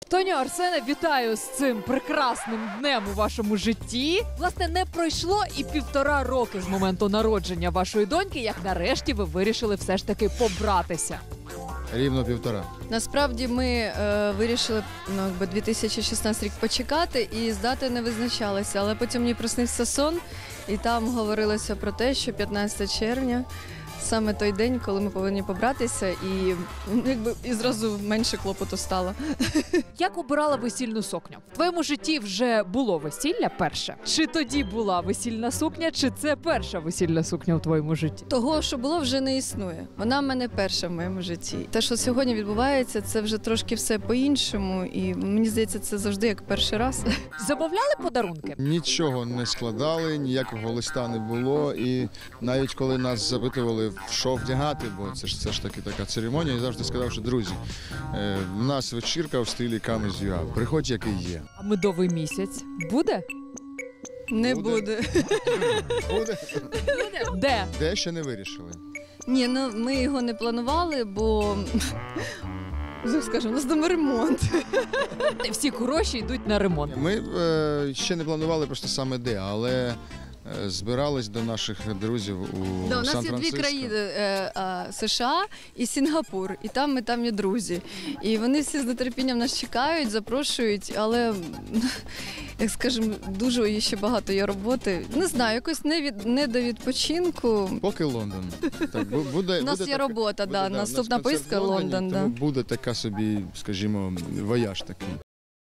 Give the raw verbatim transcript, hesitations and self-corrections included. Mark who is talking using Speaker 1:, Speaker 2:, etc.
Speaker 1: Тоню, Арсене, вітаю з цим прекрасним днем у вашому житті. Власне, не пройшло і півтора роки з моменту народження вашої доньки, як нарешті ви вирішили все ж таки побратися.
Speaker 2: Рівно півтора.
Speaker 3: Насправді ми е, вирішили ну, якби дві тисячі шістнадцятий рік почекати і з дати не визначалися. Але потім мені приснився сон, і там говорилося про те, що п'ятнадцятого червня саме той день, коли ми повинні побратися, і ну, якби і зразу менше клопоту стало.
Speaker 1: Як обирала весільну сукню? В твоєму житті вже було весілля перше? Чи тоді була весільна сукня, чи це перша весільна сукня у твоєму житті?
Speaker 3: Того, що було, вже не існує. Вона в мене перша в моєму житті. Те, що сьогодні відбувається, це вже трошки все по-іншому, і мені здається, це завжди як перший раз.
Speaker 1: Замовляли подарунки?
Speaker 2: Нічого не складали, ніякого листа не було. І навіть коли нас запитували, в що вдягати, бо це ж, це ж таки така церемонія, я завжди сказав, що друзі, е, в нас вечірка в стилі Come As You Are. Приходь, який є.
Speaker 1: А медовий місяць буде?
Speaker 3: Не
Speaker 2: Буде.
Speaker 3: буде.
Speaker 2: Буде?
Speaker 1: Де?
Speaker 2: Де ще не вирішили.
Speaker 3: Ні, ну ми його не планували, бо ну, скажімо, у нас дома ремонт.
Speaker 1: Всі гроші йдуть на ремонт.
Speaker 2: Ми е, ще не планували просто саме де, але е, збирались до наших друзів у
Speaker 3: Да, у нас є
Speaker 2: Сан-Франциско.
Speaker 3: дві країни е, е, США і Сінгапур, і там ми там є друзі. І вони всі з нетерпінням нас чекають, запрошують, але, як скажемо, дуже ще багато є роботи. Не знаю, якось не, від, не до відпочинку.
Speaker 2: Поки Лондон. Так, бу- буде,
Speaker 3: У нас
Speaker 2: буде
Speaker 3: є
Speaker 2: така-
Speaker 3: робота,
Speaker 2: буде,
Speaker 3: да,
Speaker 2: у нас
Speaker 3: наступна
Speaker 2: концерт
Speaker 3: поїздка
Speaker 2: в Лондоні,
Speaker 3: Лондон. Да.
Speaker 2: тому буде така собі, скажімо, вояж такий.